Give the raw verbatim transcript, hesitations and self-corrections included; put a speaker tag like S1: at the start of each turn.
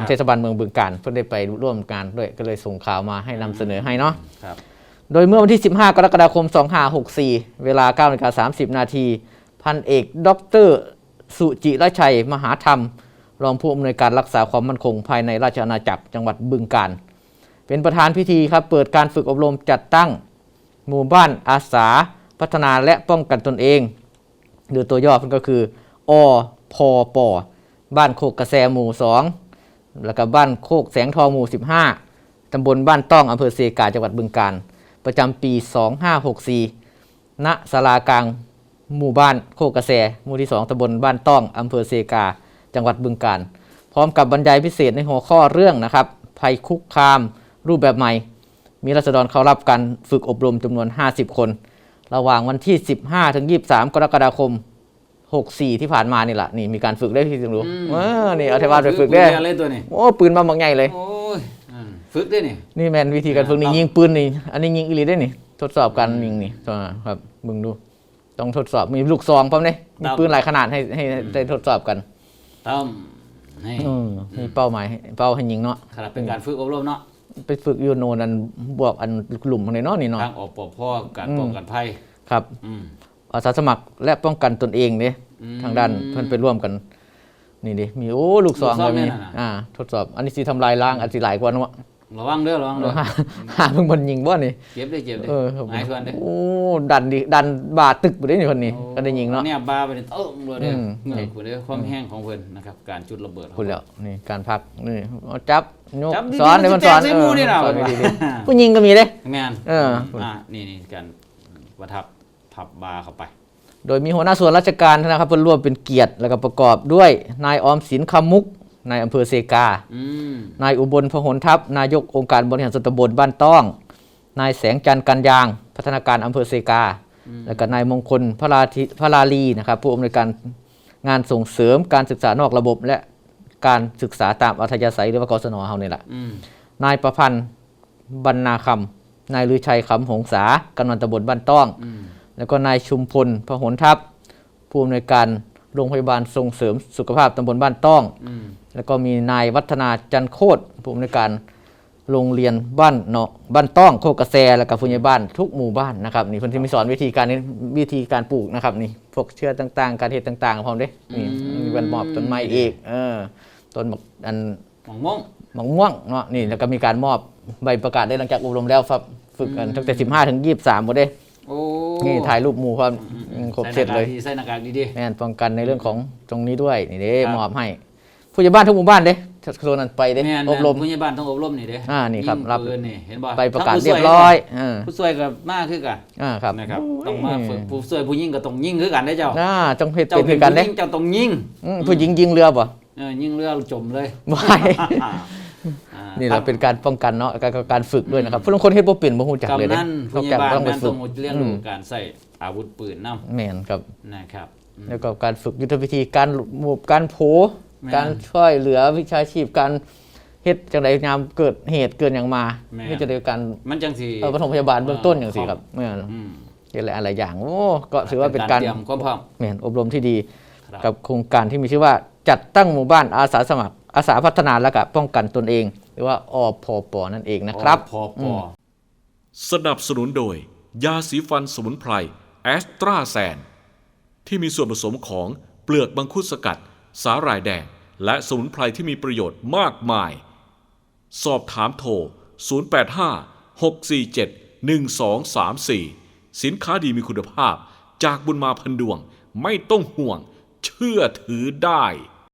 S1: เทศบาลเมืองบึงกาฬเพื่อได้ไปร่วมงานด้วยก็เลยส่งข่าวมาให้นำเสนอให้เนาะโดยเมื่อวันที่สิบห้ากรกฎาคมสองพันห้าร้อยหกสิบสี่เวลา เก้านาฬิกาสามสิบนาทีพันเอกดรสุจิรชัยมหาธรรมรองผู้อำนวยการรักษาความมั่นคงภายในราชอาณาจักรจังหวัดบึงกาฬเป็นประธานพิธีครับเปิดการฝึกอบรมจัดตั้งหมู่บ้านอาสาพัฒนาและป้องกันตนเองหรือตัวย่อมันก็คืออพปบ้านโคกกระแสหมู่สองแล้วก็บ้านโคกแสงทองหมู่สิบห้าตำบลบ้านต้องอำเภอเซกาจังหวัดบึงกาฬประจำปีสองพันห้าร้อยหกสิบสี่ณศาลากลางหมู่บ้านโคกกระแสหมู่ที่สองตำบลบ้านต้องอำเภอเซกาจังหวัดบึงกาฬพร้อมกับบรรยายพิเศษในหัวข้อเรื่องนะครับภัยคุกคามรูปแบบใหม่มีราษฎรเข้ารับการฝึกอบรมจำนวนห้าสิบคนระหว่างวันที่สิบห้าถึงยี่สิบสามกรกฎาคมหกสิบสี่ที่ผ่านมานี่แหละนี่มีการฝึกได้ที่จึงรู้เออนี่เอาเทวาไปฝึกได้โอ้ปืนมาบางใหญ่เลย
S2: โอ้ยฝึกได้นี่
S1: นี่แมนวิธีการฝึกนี่ยิงปืนนี่อันนี้ยิงอีหลีได้นี่ทดสอบการยิงนี่ครับมึงดูต้องทดสอบมีลูกซองพร้อมเนี่ยมีปืนหลายขนาดให้ให้ได้ทดสอบกัน
S2: ต้อง
S1: นี่มีเป้าหมายเป้าให้ยิงเนาะ
S2: ครับเป็นการฝึกอบรมเนาะ
S1: ไปฝึกยูโนนันบวกอันกลุ่มในเนาะนี่เนาะ
S2: ทางอปภการป้องกันภัย
S1: ครับอาสาสมัครและป้องกันตนเองเนี่ยทางด้านเพื่อนไปร่วมกันนี่ดิมีโอ้ลูกซองเลยมีอ่าทดสอบอันนี้สิทำลายล้างอันสิหลายกว่าเนาะ
S2: ระวังเด้อระวังเด้อ
S1: หาเพิ่งบนยิงบ่นี่
S2: เจ็บได้เจ็บได้หายทวนได้
S1: โอ้ดันดิดันบาตึกไปได้นี่คนนี้ก็ได้ยิงเนาะ
S2: เนี่ยบาไปเนี่ยเอิ่มเลยเด้อเงยกูเด้อความแห้งของเพิ่นนะครับการจุดระเบิด
S1: คุณแล้วนี่การพักนี่จับยกสอนเลยมันสอนเออสอนดีๆผู้ยิงก็มีเด้
S2: แม่น
S1: เออ
S2: อ่านี่นี่การประทับพับบาเข้าไป
S1: โดยมีหัวหน้าส่วนราชการนะครับเพื่อนร่วมเป็นเกียรติแล้วก็ประกอบด้วยนายออมสินคำมุกนายอำเภอเซกานายอุบลพหลทัพนายกองค์การบริหารส่วนตำบลบ้านต้องนายแสงจันทร์กันยางพัฒนาการอำเภอเซกาแล้วก็นายมงคลพระราธิพระลาลีนะครับผู้อำนวยการงานส่งเสริมการศึกษานอกระบบและการศึกษาตามอัธยาศัยหรือว่ากศน.เฮานี่แหละนายประพันธ์บรรณาคำนายลือชัยคำหงษากำนันตำบลบ้านต้องแล้วก็นายชุมพลพหลทัพผู้อำนวยการโรงพยาบาลส่งเสริมสุขภาพตำบลบ้านต้องแล้วก็มีนายวัฒนาจันโคตรผู้อำนวยการโรงเรียนบ้านเนาะบ้านต้องโคกกระแสแล้วก็ผู้ใหญ่บ้านทุกหมู่บ้านนะครับนี่เพิ่นที่มีสอนวิธีการนี้วิธีการปลูกนะครับนี่พวกเชื้อต่างๆการเฮ็ดต่างๆพร้อมเด้นี่มีวันมอบต้นไม้อีกเออต้นอัน
S2: หมองม่วง
S1: หมองม่วงเนาะนี่แล้วก็มีการมอบใบประกาศได้หลังจากอบรมแล้วครับฝึกกันตั้งแต่สิบห้าถึงยี่สิบสามบ่ได้
S2: โอ้
S1: นี่ถ่ายรูปหมู่ความครบเสร็จเลย
S2: ใส่หน้ากากดีๆ
S1: แม่นป้องกันในเรื่องของตรงนี้ด้วยนี่เด้มอบให้ผู้ใหญ่บ้านทุกหมู่บ้านเด้โซนนั้นไปเด้อบรม
S2: ผู้ใหญ่บ้านต้องอบรมนี่เด้
S1: อ่านี่ครับรับ
S2: นี่เห็นบ่
S1: ไปประกาศเรียบร้อยเออ
S2: ผู้ช่วยก็มาคือกัน
S1: อ่าครับ
S2: นะครับต้องมาฝึกผู้ช่วยผู้หญิงก็ต้องยิงคือกันเด้เจ้า
S1: อ่าต้องเฮ็ดเป็นคือกันเด้
S2: เจ้าต้องยิง
S1: ผู้หญิงยิงเรือบ่
S2: เออยิงเรือจมเลย
S1: ไม่นี่เราเป็นการป้องกันเนาะการฝึกด้วยนะครับผู้ลางคนเฮ็ดบ่เป็นบ่ฮู้จักเลยเด้
S2: นอกจากต้องไปฝึกเรียนรู้การใช้อาวุธปืนนำ
S1: แม่นครับ
S2: นะครับ
S1: แล้วก็การฝึกยุทธวิธีการหมู่การโผการช่วยเหลือวิชาชีพการเฮ็ดจังได๋ยามเกิดเหตุเกิดหยังมาเฮ็ดจังได๋กัน
S2: มันจังสิ
S1: เออปฐมพยาบาลเบื้องต้นจังซี่ครับแม่นเฮ็ดหลายหลายอย่างโอ้ก็ถือว่าเป็นการ
S2: เตรียมความพร้อม
S1: แม่นอบรมที่ดีกับโครงการที่มีชื่อว่าจัดตั้งหมู่บ้านอาสาสมัครอาสาพัฒนาและก็ป้องกันตนเองหรือว่าอพปนั่นเองนะครับ
S2: อพป
S3: สนับสนุนโดยยาสีฟันสมุนไพรแอสตราแซนที่มีส่วนผสมของเปลือกมังคุดสกัดสาหร่ายแดงและสมุนไพรที่มีประโยชน์มากมายสอบถามโทรศูนย์ แปด ห้า หก สี่ เจ็ด หนึ่ง สอง สาม สี่สินค้าดีมีคุณภาพจากบุญมาพันดวงไม่ต้องห่วงเชื่อถือได้